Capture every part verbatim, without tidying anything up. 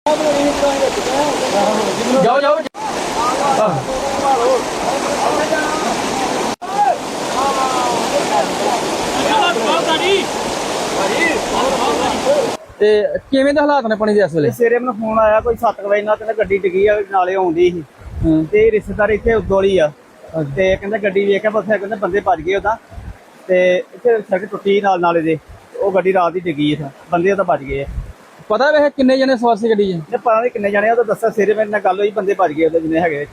ਜਾਓ ਜਾਓ ਤੇ ਕਿਵੇਂ ਦੇ ਹਾਲਾਤ ਨੇ ਪਾਣੀ ਦੇ ਇਸ ਵੇਲੇ? ਸਵੇਰੇ ਮੈਨੂੰ ਫੋਨ ਆਇਆ ਕੋਈ ਸੱਤ ਵਜੇ ਨਾਲ, ਕਹਿੰਦਾ ਗੱਡੀ ਡਿੱਗੀ ਆ ਨਾਲੇ ਆਉਂਦੀ ਸੀ ਤੇ ਰਿਸ਼ਤੇਦਾਰ ਇੱਥੇ ਉਦੋਲੀ ਆ ਤੇ ਕਹਿੰਦਾ ਗੱਡੀ ਵੇਖ ਕੇ ਬਸੇ ਕਹਿੰਦੇ ਬੰਦੇ ਭੱਜ ਗਏ ਉਹਦਾ ਤੇ ਇੱਥੇ ਸੜਕ ਟੁੱਟੀ ਨਾਲ ਨਾਲੇ ਦੇ, ਉਹ ਗੱਡੀ ਰਾਤ ਦੀ ਡਿੱਗੀ ਆ, ਬੰਦੇ ਉਹਦਾ ਭੱਜ ਗਏ ਆ। ਪਤਾ ਵੇ ਕਿੰਨੇ ਜਣੇ ਸਵਾਰ ਸੀ ਗੱਡੀ 'ਚ? ਇਹ ਪਤਾ ਨਹੀਂ ਕਿੰਨੇ ਜਾਣੇ, ਉਹ ਤਾਂ ਦੱਸਿਆ ਸਵੇਰੇ ਮੇਰੇ ਨਾਲ ਗੱਲ ਹੋਈ, ਬੰਦੇ ਭੱਜ ਗਏ ਉਹਦੇ ਜਿੰਨੇ ਹੈਗੇ।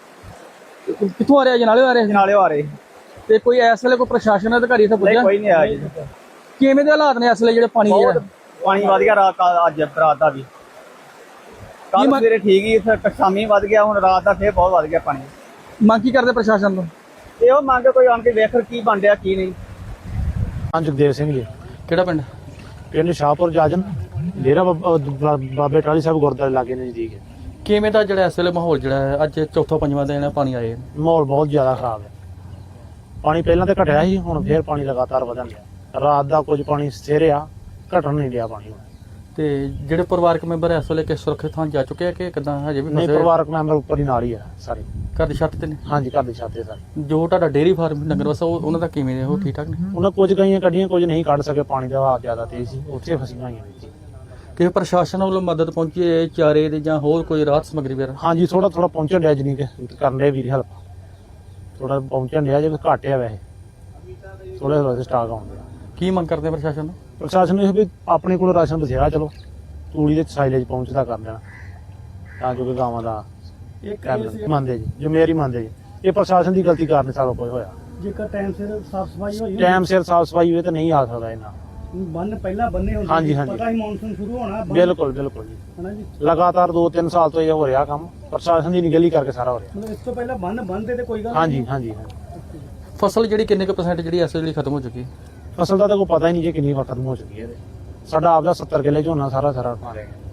ਕਿੱਥੋਂ ਆ ਰਿਹਾ? ਜਨਾਲੇ ਆ ਰਹੇ? ਜਨਾਲੇ ਆ ਰਹੇ। ਤੇ ਕੋਈ ਇਸ ਵੇਲੇ ਕੋਈ ਪ੍ਰਸ਼ਾਸਨ ਅਧਿਕਾਰੀ ਇੱਥੇ ਪੁੱਜਿਆ? ਕੋਈ ਨਹੀਂ ਆਇਆ ਜੀ। ਕਿਵੇਂ ਦੇ ਹਾਲਾਤ ਨੇ ਇਸ ਵੇਲੇ ਜਿਹੜੇ ਪਾਣੀ ਦੇ? ਪਾਣੀ ਵਧ ਗਿਆ ਰਾਤ ਅੱਜ ਰਾਤ ਦਾ ਵੀ, ਕੱਲ ਸਵੇਰੇ ਠੀਕ ਹੀ, ਸ਼ਾਮੀ ਵਧ ਗਿਆ, ਹੁਣ ਰਾਤ ਦਾ ਫੇਰ ਬਹੁਤ ਵਧ ਗਿਆ ਪਾਣੀ। ਮੰਗ ਕੀ ਕਰਦੇ ਪ੍ਰਸ਼ਾਸਨ ਤੋਂ? ਇਹ ਉਹ ਮੰਗ ਕੋਈ ਆਣ ਕੇ ਵੇਖ ਕੀ ਬਣ ਰਿਹਾ ਕੀ ਨਹੀਂ। ਹਾਂ ਜਗਦੇਵ ਸਿੰਘ ਜੀ। ਕਿਹੜਾ ਪਿੰਡ? ਪਿੰਡ ਸ਼ਾਹਪੁਰ ਜਾਜਨ, ਡੇਰਾ ਬਾਬੇ ਟਾਹਲੀ ਸਾਹਿਬ ਗੁਰਦੁਆਰੇ ਲਾਗੇ ਨਜ਼ਦੀਕ ਹੈ। ਕਿਵੇਂ ਦਾ ਜਿਹੜਾ ਇਸ ਵੇਲੇ ਮਾਹੌਲ ਜਿਹੜਾ ਹੈ ਅੱਜ ਚੌਥਾ ਪੰਜਵਾਂ ਦਿਨ ਪਾਣੀ ਆਏ? ਮਾਹੌਲ ਬਹੁਤ ਜ਼ਿਆਦਾ ਖਰਾਬ ਹੈ। ਪਾਣੀ ਪਹਿਲਾਂ ਤਾਂ ਘਟਿਆ ਸੀ, ਹੁਣ ਫੇਰ ਪਾਣੀ ਲਗਾਤਾਰ ਵਧਣ ਲਿਆ। ਰਾਤ ਦਾ ਕੁਝ ਪਾਣੀ ਸਥਿਰਿਆ, ਘਟਣ ਨਹੀਂ ਲਿਆ ਪਾਣੀ। ਤੇ ਜਿਹੜੇ ਪਰਿਵਾਰਕ ਮੈਂਬਰ ਇਸ ਵੇਲੇ ਕਿ ਸੁਰੱਖਿਅਤ ਥਾਂ ਜਾ ਚੁੱਕੇ ਆ ਕਿ ਕਿਦਾਂ ਹਜੇ ਵੀ ਨਹੀਂ? ਪਰਿਵਾਰਕ ਮੈਂਬਰ ਉੱਪਰ ਹੀ ਨਾਲ ਹੀ ਆ ਸਾਰੇ, ਘਰ ਦੀ ਛੱਤ ਤੇ ਨੇ? ਹਾਂਜੀ ਘਰ ਦੀ ਛੱਤ ਤੇ ਸਾਰੇ। ਜੋ ਤੁਹਾਡਾ ਡੇਅਰੀ ਫਾਰਮ ਨਗਰ ਵਸਾ ਉਹਨਾਂ ਦਾ ਕਿਵੇਂ ਨੇ? ਉਹ ਠੀਕ ਠਾਕ ਨੇ? ਉਹਨਾਂ ਕੁਝ ਗਈਆਂ ਕੱਢੀਆਂ, ਕੁਝ ਨਹੀਂ ਕੱਢ ਸਕੇ, ਪਾਣੀ ਦਾ ਵਹਾਅ ਜ਼ਿਆਦਾ ਤੇਜ਼ ਸੀ, ਉੱਥੇ ਫਸੀਆਂ ਹੋਈਆਂ ਨੇ ਜੀ। ਕਿ ਪ੍ਰਸ਼ਾਸਨ ਵੱਲੋਂ ਮਦਦ ਪਹੁੰਚੀ ਹੈ ਚਾਰੇ ਦੇ ਜਾਂ ਹੋਰ ਕੋਈ ਰਾਹਤ ਸਮੱਗਰੀ ਵਗੈਰਾ? ਹਾਂਜੀ ਥੋੜਾ ਥੋੜਾ ਪਹੁੰਚਣ ਡਿਆ, ਜਨੀ ਕਿ ਕਰਨ ਦੇ ਵੀਰ ਹੈਲਪ ਥੋੜਾ ਪਹੁੰਚਣ ਡਿਆ, ਜੇ ਘੱਟ ਆ ਵੈਸੇ ਥੋੜਾ ਥੋੜਾ ਸਟਾਕ ਆਉਂਦੇ ਆ। ਕੀ ਮੰਗ ਕਰਦੇ ਆ ਪ੍ਰਸ਼ਾਸਨ ਨੂੰ? ਪ੍ਰਸ਼ਾਸਨ ਨੂੰ ਇਹ ਵੀ ਆਪਣੇ ਕੋਲ ਰਾਸ਼ਨ ਬਥੇਰਾ, ਚਲੋ ਤੂੜੀ ਦੇ ਸਾਈਲੇਜ ਪਹੁੰਚਦਾ ਕਰ ਦੇਣਾ ਤਾਂ ਜੋ ਕਿ ਗਾਵਾਂ ਦਾ ਮੰਨਦੇ ਜੀ, ਜ਼ਿੰਮੇਵਾਰੀ ਮੰਨਦੇ ਜੀ। ਇਹ ਪ੍ਰਸ਼ਾਸਨ ਦੀ ਗਲਤੀ ਕਾਰਨ ਸਾਰਾ ਕੁਝ ਹੋਇਆ। ਜੇਕਰ ਟਾਈਮ ਸਿਰ ਸਾਫ ਸਫਾਈ ਹੋਈ, ਟਾਈਮ ਸਿਰ ਸਾਫ ਸਫਾਈ ਹੋਵੇ ਤਾਂ ਨਹੀਂ ਆ ਸਕਦਾ ਇਹਨਾਂ। ਬੰਨ ਪਹਿਲਾਂ ਬੰਨੇ ਹੁੰਦੇ, ਹਾਂਜੀ ਹਾਂਜੀ ਪਤਾ ਹੀ ਮੌਨਸੂਨ ਸ਼ੁਰੂ ਹੋਣਾ। ਬਿਲਕੁਲ ਬਿਲਕੁਲ ਜੀ, ਹਨਾ ਜੀ। ਲਗਾਤਾਰ ਦੋ ਤਿੰਨ ਸਾਲ ਤੋਂ ਇਹ ਹੋ ਰਿਹਾ ਕੰਮ, ਪ੍ਰਸ਼ਾਸਨ ਦੀ ਨਿਗਲੀ ਕਰਕੇ ਸਾਰਾ ਹੋ ਰਿਹਾ। ਮਤਲਬ ਇਸ ਤੋਂ ਪਹਿਲਾਂ ਬੰਨ ਬੰਨਦੇ ਤੇ ਕੋਈ ਗੱਲ ਹਾਂਜੀ ਹਾਂਜੀ ਹਾਂਜੀ। ਫਸਲ ਜਿਹੜੀ ਕਿੰਨੇ ਕੁ ਪਰਸੈਂਟ ਜਿਹੜੀ ਇਸ ਵੇਲੇ ਖਤਮ ਹੋ ਚੁੱਕੀ? ਫਸਲ ਦਾ ਤਾਂ ਕੋਈ ਪਤਾ ਹੀ ਨਹੀਂ ਜੀ ਕਿੰਨੀ ਵਾਰ ਖਤਮ ਹੋ ਚੁੱਕੀ ਹੈ। ਸਾਡਾ ਆਪਦਾ ਸੱਤਰ ਕਿੱਲੇ ਝੋਨਾ ਸਾਰਾ ਸਾਰਾ ਮਾਰਿਆ ਗਿਆ।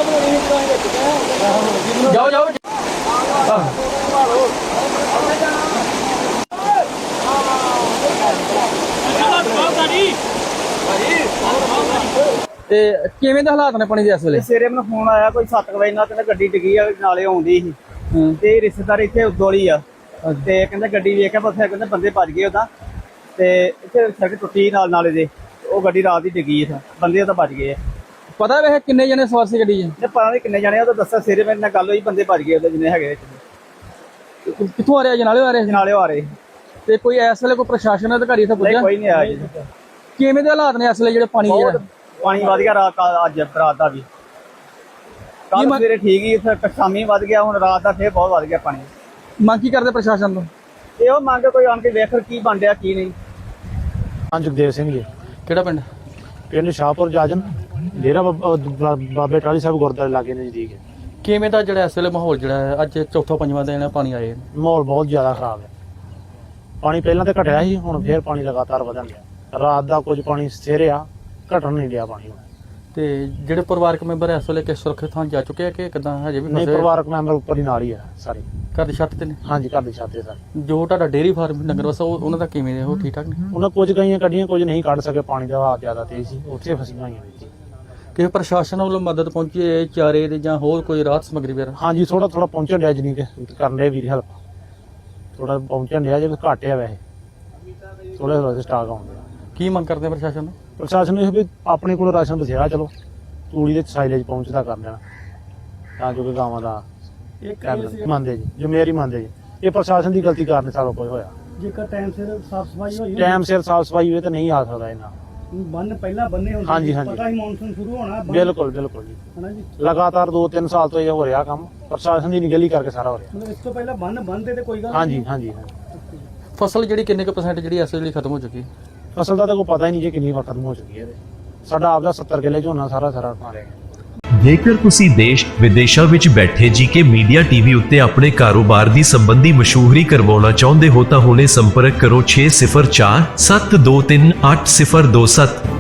ਜਾਓ ਜਾਓ ਤੇ ਕਿਵੇਂ ਦੇ ਹਾਲਾਤ ਨੇ ਪਾਣੀ ਦੇ ਇਸ ਵੇਲੇ? ਸਵੇਰੇ ਮੈਨੂੰ ਫੋਨ ਆਇਆ ਕੋਈ ਸੱਤ ਵਜੇ ਨਾਲ, ਕਹਿੰਦਾ ਗੱਡੀ ਡਿੱਗੀ ਆ ਨਾਲੇ ਆਉਂਦੀ ਸੀ ਤੇ ਰਿਸ਼ਤੇਦਾਰ ਇੱਥੇ ਉਦੋਲੀ ਆ ਤੇ ਕਹਿੰਦਾ ਗੱਡੀ ਵੇਖ ਕੇ ਬਸੇ ਕਹਿੰਦੇ ਬੰਦੇ ਭੱਜ ਗਏ ਉਹਦਾ ਤੇ ਇੱਥੇ ਸੜਕ ਟੁੱਟੀ ਨਾਲ ਨਾਲੇ ਦੇ, ਉਹ ਗੱਡੀ ਰਾਤ ਦੀ ਡਿੱਗੀ ਆ, ਬੰਦੇ ਉਹਦਾ ਭੱਜ ਗਏ ਆ। ਪਤਾ ਵੇ ਕਿੰਨੇ ਜਣੇ ਸਵਾਰ ਸੀ ਗੱਡੀ 'ਚ? ਇਹ ਪਤਾ ਨਹੀਂ ਕਿੰਨੇ ਜਾਣੇ, ਉਹ ਤਾਂ ਦੱਸਿਆ ਸਵੇਰੇ ਮੇਰੇ ਨਾਲ ਗੱਲ ਹੋਈ, ਬੰਦੇ ਭੱਜ ਗਏ ਉਹਦੇ ਜਿੰਨੇ ਹੈਗੇ। ਕਿੱਥੋਂ ਆ ਰਿਹਾ? ਜਨਾਲੇ ਆ ਰਹੇ? ਜਨਾਲੇ ਆ ਰਹੇ। ਤੇ ਕੋਈ ਇਸ ਵੇਲੇ ਕੋਈ ਪ੍ਰਸ਼ਾਸਨ ਅਧਿਕਾਰੀ ਇੱਥੇ ਪੁੱਜਿਆ? ਕੋਈ ਨਹੀਂ ਆਇਆ ਜੀ। ਕਿਵੇਂ ਦੇ ਹਾਲਾਤ ਨੇ ਇਸ ਵੇਲੇ ਜਿਹੜੇ ਪਾਣੀ ਦੇ? ਪਾਣੀ ਵਧ ਗਿਆ ਰਾਤ ਅੱਜ ਰਾਤ ਦਾ ਵੀ, ਕੱਲ ਸਵੇਰੇ ਠੀਕ ਹੀ, ਸ਼ਾਮੀ ਵਧ ਗਿਆ, ਹੁਣ ਰਾਤ ਦਾ ਫੇਰ ਬਹੁਤ ਵਧ ਗਿਆ ਪਾਣੀ। ਮੰਗ ਕੀ ਕਰਦੇ ਪ੍ਰਸ਼ਾਸਨ ਤੋਂ? ਇਹ ਉਹ ਮੰਗ ਕੋਈ ਆਣ ਕੇ ਵੇਖ ਕੀ ਬਣ ਰਿਹਾ ਕੀ ਨਹੀਂ। ਹਾਂ ਜਗਦੇਵ ਸਿੰਘ ਜੀ। ਕਿਹੜਾ ਪਿੰਡ? ਪਿੰਡ ਸ਼ਾਹਪੁਰ ਜਾਜਨ, ਡੇਰਾ ਬਾਬੇ ਟਾਹਲੀ ਸਾਹਿਬ ਗੁਰਦੁਆਰੇ ਲਾਗੇ ਨਜ਼ਦੀਕ ਹੈ। ਕਿਵੇਂ ਦਾ ਜਿਹੜਾ ਇਸ ਵੇਲੇ ਮਾਹੌਲ ਜਿਹੜਾ ਹੈ ਅੱਜ ਚੌਥਾ ਪੰਜਵਾਂ ਦਿਨ ਪਾਣੀ ਆਏ? ਮਾਹੌਲ ਬਹੁਤ ਜ਼ਿਆਦਾ ਖਰਾਬ ਹੈ। ਪਾਣੀ ਪਹਿਲਾਂ ਤਾਂ ਘਟਿਆ ਸੀ, ਹੁਣ ਫੇਰ ਪਾਣੀ ਲਗਾਤਾਰ ਵਧਣ ਲਿਆ। ਰਾਤ ਦਾ ਕੁਝ ਪਾਣੀ ਸਥਿਰਿਆ, ਘਟਣ ਨਹੀਂ ਲਿਆ ਪਾਣੀ। ਤੇ ਜਿਹੜੇ ਪਰਿਵਾਰਕ ਮੈਂਬਰ ਇਸ ਵੇਲੇ ਕਿ ਸੁਰੱਖਿਅਤ ਥਾਂ ਜਾ ਚੁੱਕੇ ਆ ਕਿ ਕਿਦਾਂ ਹਜੇ ਵੀ ਨਹੀਂ? ਪਰਿਵਾਰਕ ਮੈਂਬਰ ਉੱਪਰ ਹੀ ਨਾਲ ਹੀ ਆ ਸਾਰੇ, ਘਰ ਦੀ ਛੱਤ ਤੇ ਨੇ? ਹਾਂਜੀ ਘਰ ਦੀ ਛੱਤ ਤੇ ਸਾਰੇ। ਜੋ ਤੁਹਾਡਾ ਡੇਅਰੀ ਫਾਰਮ ਨਗਰ ਵਸਾ ਉਹਨਾਂ ਦਾ ਕਿਵੇਂ ਨੇ? ਉਹ ਠੀਕ ਠਾਕ ਨੇ? ਉਹਨਾਂ ਕੁਝ ਗਈਆਂ ਕੱਢੀਆਂ, ਕੁਝ ਨਹੀਂ ਕੱਢ ਸਕੇ, ਪਾਣੀ ਦਾ ਵਹਾਅ ਜ਼ਿਆਦਾ ਤੇਜ਼ ਸੀ, ਉੱਥੇ ਫਸੀਆਂ ਹੋਈਆਂ ਨੇ ਜੀ। ਕਿ ਪ੍ਰਸ਼ਾਸਨ ਵੱਲੋਂ ਮਦਦ ਪਹੁੰਚੀ ਹੈ ਚਾਰੇ ਦੇ ਜਾਂ ਹੋਰ ਕੋਈ ਰਾਹਤ ਸਮੱਗਰੀ ਵਗੈਰਾ? ਹਾਂਜੀ ਥੋੜਾ ਥੋੜਾ ਪਹੁੰਚਣ ਡਿਆ, ਜਨੀ ਕਿ ਕਰਨ ਦੇ ਵੀਰ ਹੈਲਪ ਥੋੜਾ ਪਹੁੰਚਣ ਡਿਆ, ਜੇ ਘੱਟ ਆ ਵੈਸੇ ਥੋੜਾ ਥੋੜਾ ਸਟਾਕ ਆਉਂਦੇ ਆ। ਕੀ ਮੰਗ ਕਰਦੇ ਆ ਪ੍ਰਸ਼ਾਸਨ ਨੂੰ? ਪ੍ਰਸ਼ਾਸਨ ਨੂੰ ਇਹ ਵੀ ਆਪਣੇ ਕੋਲ ਰਾਸ਼ਨ ਬਥੇਰਾ, ਚਲੋ ਤੂੜੀ ਦੇ ਸਾਈਲੇਜ ਪਹੁੰਚਦਾ ਕਰ ਦੇਣਾ ਤਾਂ ਜੋ ਕਿ ਗਾਵਾਂ ਦਾ ਮੰਨਦੇ ਜੀ, ਜ਼ਿੰਮੇਵਾਰੀ ਮੰਨਦੇ ਜੀ। ਇਹ ਪ੍ਰਸ਼ਾਸਨ ਦੀ ਗਲਤੀ ਕਾਰਨ ਸਾਰਾ ਕੁਝ ਹੋਇਆ। ਜੇਕਰ ਟਾਈਮ ਸਿਰ ਸਾਫ ਸਫਾਈ ਹੋਈ, ਟਾਈਮ ਸਿਰ ਸਾਫ ਸਫਾਈ ਹੋਵੇ ਤਾਂ ਨਹੀਂ ਆ ਸਕਦਾ ਇਹਨਾਂ। ਬੰਨ ਪਹਿਲਾਂ ਬੰਨੇ ਹੁੰਦੇ, ਹਾਂਜੀ ਹਾਂਜੀ ਪਤਾ ਹੀ ਮੌਨਸੂਨ ਸ਼ੁਰੂ ਹੋਣਾ। ਬਿਲਕੁਲ ਬਿਲਕੁਲ ਜੀ, ਹਨਾ ਜੀ। ਲਗਾਤਾਰ ਦੋ ਤਿੰਨ ਸਾਲ ਤੋਂ ਇਹ ਹੋ ਰਿਹਾ ਕੰਮ, ਪ੍ਰਸ਼ਾਸਨ ਦੀ ਨਿਗਲੀ ਕਰਕੇ ਸਾਰਾ ਹੋ ਰਿਹਾ। ਮਤਲਬ ਇਸ ਤੋਂ ਪਹਿਲਾਂ ਬੰਨ ਬੰਨਦੇ ਤੇ ਕੋਈ ਗੱਲ ਹਾਂਜੀ ਹਾਂਜੀ ਹਾਂਜੀ। ਫਸਲ ਜਿਹੜੀ ਕਿੰਨੇ ਕੁ ਪਰਸੈਂਟ ਜਿਹੜੀ ਇਸ ਵੇਲੇ ਖਤਮ ਹੋ ਚੁੱਕੀ? ਫਸਲ ਦਾ ਤਾਂ ਕੋਈ ਪਤਾ ਹੀ ਨਹੀਂ ਜੀ ਕਿੰਨੀ ਵਾਰ ਖਤਮ ਹੋ ਚੁੱਕੀ ਹੈ। ਸਾਡਾ ਆਪਦਾ ਸੱਤਰ ਕਿੱਲੇ ਝੋਨਾ ਸਾਰਾ ਸਾਰਾ ਮਾਰਿਆ ਗਿਆ। ਜੇਕਰ ਤੁਸੀਂ ਦੇਸ਼ ਵਿਦੇਸ਼ਾਂ ਵਿੱਚ ਬੈਠੇ ਜੀਕੇ ਮੀਡੀਆ ਟੀਵੀ ਉੱਤੇ ਆਪਣੇ ਕਾਰੋਬਾਰ ਦੀ ਸੰਬੰਧੀ ਮਸ਼ਹੂਰੀ ਕਰਵਾਉਣਾ ਚਾਹੁੰਦੇ ਹੋ ਤਾਂ ਹੁਣੇ ਸੰਪਰਕ ਕਰੋ ਛੇ ਸਿਫਰ ਚਾਰ ਸੱਤ ਦੋ ਤਿੰਨ ਅੱਠ ਸਿਫਰ ਦੋ ਸੱਤ।